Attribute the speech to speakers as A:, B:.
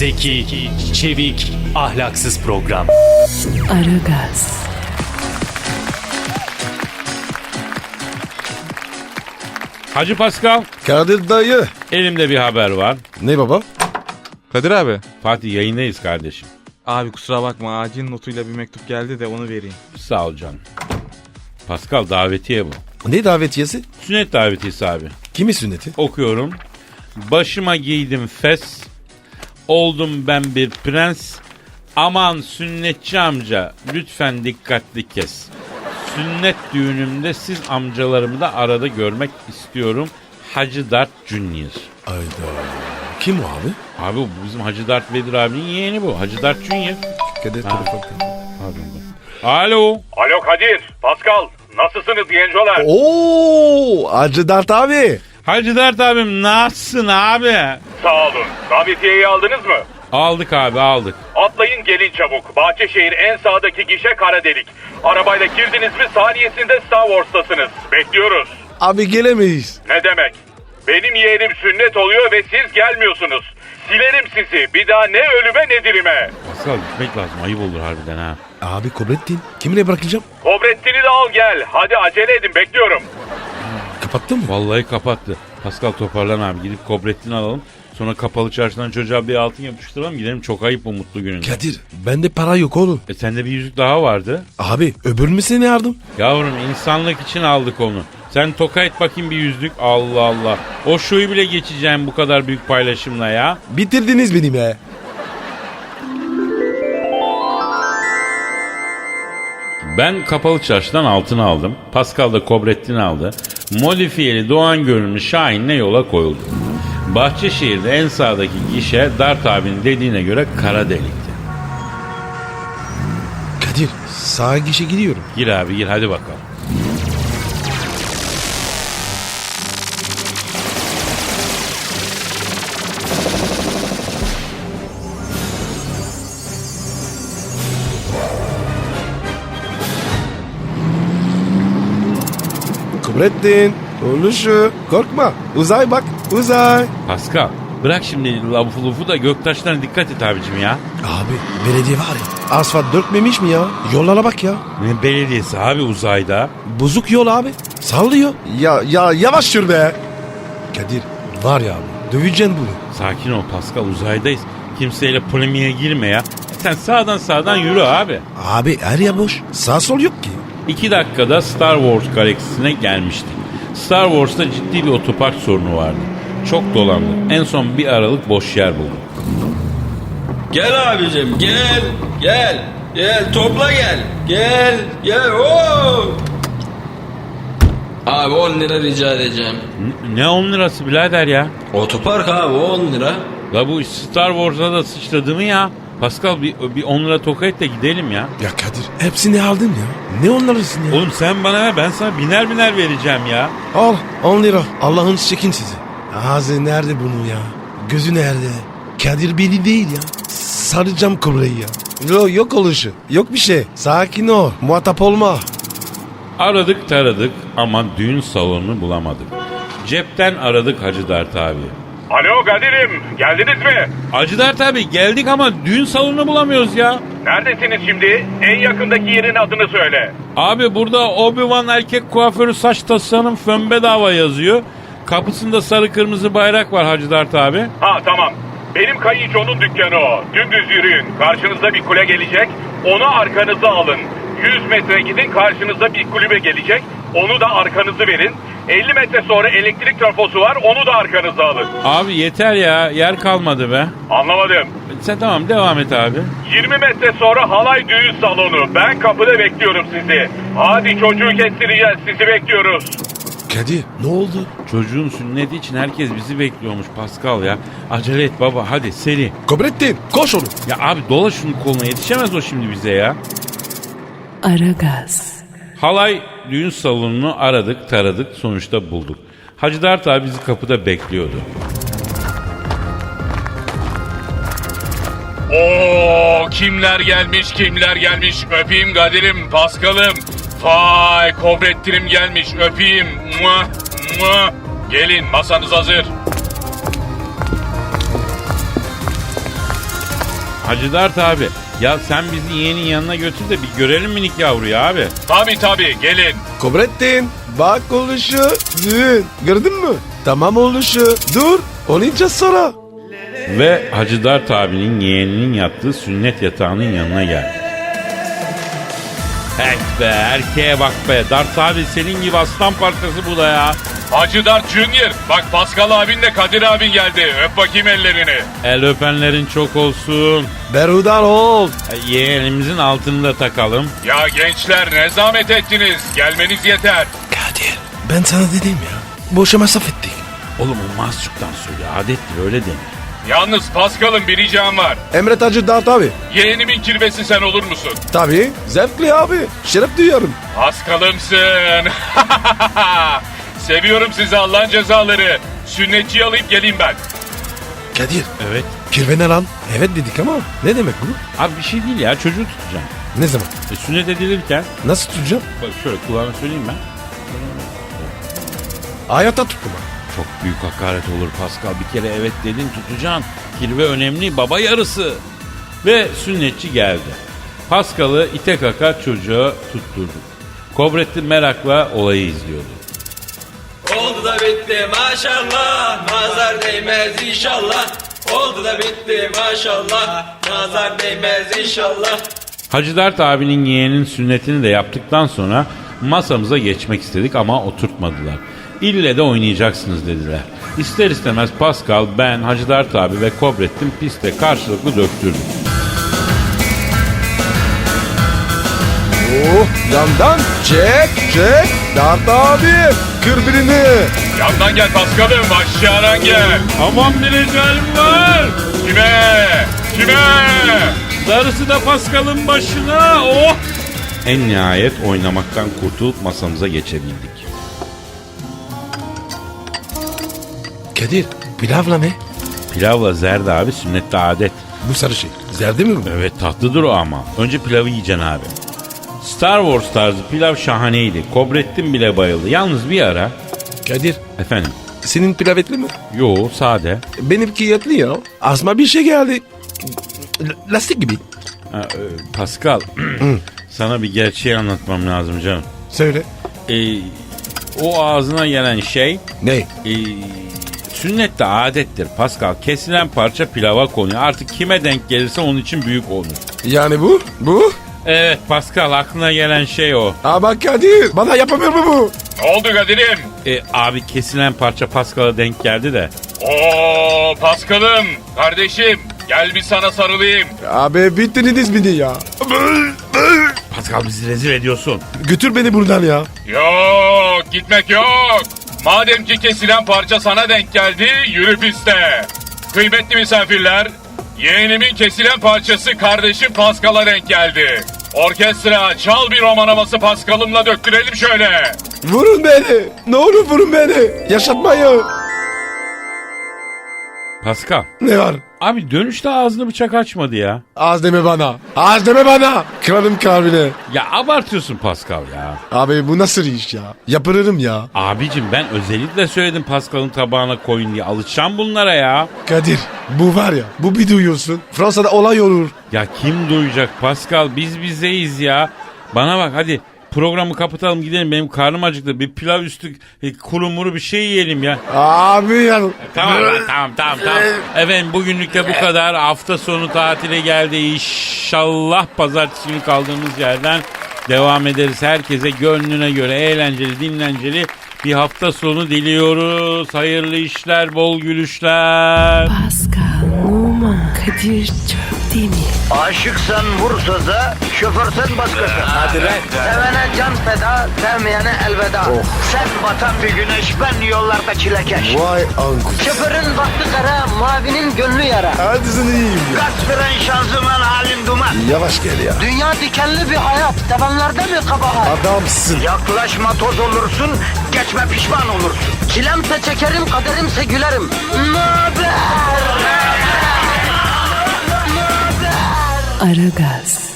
A: Zeki, çevik, ahlaksız program.
B: Aragaz,
C: Hacı Pascal,
D: Kadir dayı.
C: elimde bir haber var.
D: Ne baba?
E: Kadir abi.
C: Fatih yayındayız kardeşim.
E: Abi kusura bakma, acil notuyla bir mektup geldi de onu vereyim.
C: Sağ ol canım. Pascal, davetiye bu.
D: Ne davetiyesi?
C: Sünnet davetiyesi abi.
D: Kimin sünneti?
C: Okuyorum. Başıma giydim fes. Oldum ben bir prens. Aman sünnetçi amca, lütfen dikkatli kes. Sünnet düğünümde siz amcalarımı da arada görmek istiyorum. Hacı Dert Junior.
D: Ayda. Kim o abi?
C: Abi bu bizim Hacı Dert Vedir abinin yeğeni bu. Hacı Dert Junior.
D: Kadir
C: Ha.
D: telefon.
C: Pardon. Alo.
F: Alo Kadir, Pascal, nasılsınız gencolar?
D: Oo, Hacı Dert abi.
C: Hacı Dert abim nasılsın abi?
F: Sağ olun. Davetiyeyi aldınız mı?
C: Aldık abi aldık.
F: Atlayın gelin çabuk. Bahçeşehir en sağdaki gişe kara delik. Arabayla girdiniz mi saniyesinde Star Wars'tasınız. Bekliyoruz.
D: Abi gelemeyiz.
F: Ne demek? Benim yeğenim sünnet oluyor ve siz gelmiyorsunuz. Silerim sizi. Bir daha ne ölüme ne dirime.
C: Pascal gitmek lazım, ayıp olur harbiden ha.
D: Abi Kobrettin. Kimle bırakacağım?
F: Kobrettin'i de al gel. Hadi acele edin bekliyorum.
D: Kapattın mı?
C: Vallahi kapattı. Pascal toparlan abi, gidip Kobrettin'i alalım. Sonra kapalı çarşıdan çocuğa bir altın yapıştıralım, gidelim, çok ayıp bu mutlu gününde.
D: Kadir bende para yok oğlum.
C: Sende bir yüzük daha vardı.
D: Abi öbür ne yardım?
C: Yavrum insanlık için aldık onu. Sen toka et bakayım bir yüzlük. Allah Allah. O şoyu bile geçeceğim bu kadar büyük paylaşımla ya.
D: Bitirdiniz beni be.
C: Ben kapalı çarşıdan altını aldım. Pascal da Kobrettin'i aldı. Modifiyeli Doğan görünümlü Şahin'le yola koyuldu. Bahçeşehir'de en sağdaki gişe Dart abinin dediğine göre kara delikti.
D: Kadir sağa gişe gidiyorum.
C: Gir abi gir, hadi bakalım.
D: Kobrettin. Oluşu. Korkma. Uzay bak. Uzay.
C: Pascal bırak şimdi lafı lufu da Göktaşlarına dikkat et abicim ya.
D: Abi belediye var ya. Asfalt dökmemiş mi ya? Yollara bak ya.
C: Ne belediyesi abi uzayda?
D: Bozuk yol abi. Sallıyor. Ya yavaş sür be. Kadir var ya abi. Döveceksin bunu.
C: Sakin ol Pascal, uzaydayız. Kimseyle polemiğe girme ya. Sen sağdan yürü abi.
D: Abi her yer boş. Sağ sol yok ki.
C: 2 dakikada Star Wars galaksisine gelmiştik. Star Wars'ta ciddi bir otopark sorunu vardı. Çok dolandık. En son bir aralık boş yer bulduk.
G: Gel abicim gel gel gel topla gel oo. Abi 10 lira rica edeceğim.
C: Ne 10 lirası birader ya?
G: Otopark abi 10 lira.
C: La bu Star Wars'a da sıçradı mı ya? Pascal bir 10 lira toka et de gidelim ya.
D: Ya Kadir hepsini aldın ya. Ne onlarısın ya?
C: Oğlum sen bana ver, ben sana biner vereceğim ya.
D: Al 10 lira. Allah'ın çekin sizi. Ağzı nerede bunun ya? Gözü nerede? Kadir beni değil ya. Saracağım kobreyi ya. Yok oluşu. Yok bir şey. Sakin ol. Muhatap olma.
C: Aradık taradık ama düğün salonunu bulamadık. Cepten aradık Hacı Dert abi.
F: Alo Kadir'im, geldiniz mi?
C: Hacı Dert abi geldik ama düğün salonunu bulamıyoruz ya.
F: Neredesiniz şimdi? En yakındaki yerin adını söyle.
C: Abi burada Obi-Wan erkek kuaförü saç tasarım fön bedava yazıyor. Kapısında sarı kırmızı bayrak var Hacı Dert abi.
F: Ha tamam. Benim kayınçonun dükkanı o. Dümdüz yürüyün. Karşınızda bir kule gelecek. Onu arkanıza alın. 100 metre gidin, karşınızda bir kulübe gelecek. Onu da arkanızı verin. 50 metre sonra elektrik trafosu var. Onu da arkanıza alın.
C: Abi yeter ya, yer kalmadı be.
F: Anlamadım.
C: Sen tamam devam et abi.
F: 20 metre sonra halay düğün salonu. Ben kapıda bekliyorum sizi. Hadi çocuğu kestireceğiz. Sizi bekliyoruz.
D: Kadir ne oldu?
C: Çocuğun sünneti için herkes bizi bekliyormuş Pascal ya. Acele et baba, hadi seri.
D: Kobrettin koş onu.
C: Ya abi dola şunun koluna, yetişemez o şimdi bize ya.
B: Aragaz,
C: Halay düğün salonunu aradık taradık, sonuçta bulduk. Hacı Dert abi bizi kapıda bekliyordu.
F: Oo, kimler gelmiş öpeyim Kadir'im, Paskal'ım. Vay Kobrettin'im gelmiş öpeyim. Muah, muah. Gelin, masanız hazır.
C: Hacı Dert abi, ya sen bizi yeğenin yanına götür de bir görelim minik yavruyu abi.
F: Tabii gelin.
D: Kobrettin bak oluşu düğün. Gördün mü? Tamam oluşu. Dur olunca sonra.
C: Ve Hacı Dert abinin yeğeninin yattığı sünnet yatağının yanına geldi. Hey be, erkeğe bak be. Dert abi senin gibi aslan parçası bu da ya.
F: Hacı Dert Junior. Bak Pascal abinle Kadir abin geldi. Öp bakayım ellerini.
C: El öpenlerin çok olsun.
D: Berhudar ol.
C: Yeğenimizin altını da takalım.
F: Ya gençler ne zahmet ettiniz. Gelmeniz yeter.
D: Kadir ben sana dedim ya. Boşa masraf ettik.
C: Oğlum o mahsuptan söyle, adettir öyle denir.
F: Yalnız Pascal'ın bir ricam var.
D: Emret Hacı Dert abi.
F: Yeğenimin kirvesi sen olur musun?
D: Tabii zevkli abi. Şeref duyuyorum.
F: Pascal'ımsın. Seviyorum sizi Allah'ın cezaları. Sünnetçiyi alayım geleyim ben.
D: Kadir
C: Evet.
D: kirve ne lan? Evet dedik ama ne demek bu?
C: Abi bir şey değil ya, çocuğu tutacağım.
D: Ne zaman?
C: Sünnet edilirken,
D: Nasıl tutacağım?
C: bak şöyle kulağına söyleyeyim ben.
D: Hayata tutma.
C: Çok büyük hakaret olur Pascal. Bir kere evet dedin, tutacaksın. Kirve önemli, baba yarısı. Ve sünnetçi geldi. Pascal'ı ite kaka çocuğa tutturduk. Kobrettin merakla olayı izliyordu.
G: Oldu da bitti maşallah. Nazar değmez inşallah. Oldu da bitti maşallah. Nazar değmez inşallah.
C: Hacı Dert abinin yeğenin sünnetini de yaptıktan sonra masamıza geçmek istedik ama oturtmadılar. İlle de oynayacaksınız dediler. İster istemez Pascal, ben, Hacı Dert abi ve Kobrettin piste karşılıklı döktürdük.
D: Oh yandan çek. Dert abi kır birini.
F: Yandan gel Pascal'ım aşağıdan gel.
C: Aman bir ecalim var.
F: Kime?
C: Darısı da Pascal'ın başına. Oh! En nihayet oynamaktan kurtulup masamıza geçebildik.
D: Kadir pilavla ne?
C: Pilavla zerde abi, sünnette adet.
D: Bu sarı şey. Zerdi mi bu?
C: Evet, tatlıdır o ama. Önce pilavı yiyeceksin abi. Star Wars tarzı pilav şahaneydi. Kobrettin bile bayıldı. Yalnız bir ara...
D: Kadir
C: Efendim?
D: senin pilav etli mi?
C: Yo, sade.
D: Benimki etli ya. Asma bir şey geldi. Lastik gibi.
C: Pascal, sana bir gerçeği anlatmam lazım canım.
D: Söyle.
C: O ağzına gelen şey...
D: Ne?
C: Sünnette adettir Pascal. Kesilen parça pilava konuyor. Artık kime denk gelirse onun için büyük olur.
D: Yani bu?
C: Evet Pascal, aklına gelen şey o.
D: Ama Kadir bana yapamıyor mu bu?
F: Ne oldu Kadir'im?
C: Abi kesilen parça Pascal'a denk geldi de.
F: Oo Pascal'ım kardeşim gel bir sana sarılayım.
D: Abi bittiniz beni ya.
C: Pascal, bizi rezil ediyorsun.
D: Götür beni buradan ya.
F: Yok gitmek yok. Madem ki kesilen parça sana denk geldi yürü piste. Kıymetli misafirler, yeğenimin kesilen parçası kardeşim Pascal'a denk geldi. Orkestra çal bir roman havası Pascal'ımla döktürelim şöyle.
D: Vurun beni. Ne olur vurun beni. Yaşatmayın.
C: Pascal,
D: Ne var?
C: abi dönüşte ağzını bıçak açmadı ya.
D: Az deme bana. Az deme bana. Kırarım kalbini.
C: Ya abartıyorsun Pascal ya.
D: Abi bu nasıl iş ya? Yapırırım ya.
C: Abicim ben özellikle söyledim Pascal'ın tabağına koyun diye. Alışacağım bunlara ya.
D: Kadir bu var ya. Bu bir duyuyorsun. Fransa'da olay olur.
C: Ya kim duyacak Pascal, biz bizeyiz ya. Bana bak hadi programı kapatalım gidelim, benim karnım acıktı. Bir pilav üstü kuru muru bir şey yiyelim ya.
D: Abi ya.
C: Tamam lan, tamam. Efendim bugünlük de bu kadar. Hafta sonu tatile geldi. İnşallah pazartesi günü kaldığımız yerden devam ederiz. Herkese gönlüne göre eğlenceli, dinlenceli bir hafta sonu diliyoruz. Hayırlı işler, bol gülüşler.
B: Pascal, Oman, Kadir çok değil mi?
H: Aşıksan vursa da, şoförsen başkasın. Hadi lan. Sevene can feda, sevmeyene elveda. Sen batan bir güneş, ben yollarda çilekeş.
D: Vay anku.
H: Şoförün baktı kara, mavinin gönlü yara.
D: Hadi sen iyiyim ya.
H: Kasperen şanzıman halin duman.
D: Yavaş gel ya.
H: Dünya dikenli bir hayat, sevenlerde mi kabahar?
D: Adamsın.
H: Yaklaşma toz olursun, geçme pişman olursun. Çilemse çekerim, kaderimse gülerim. Möber!
B: Aragaz.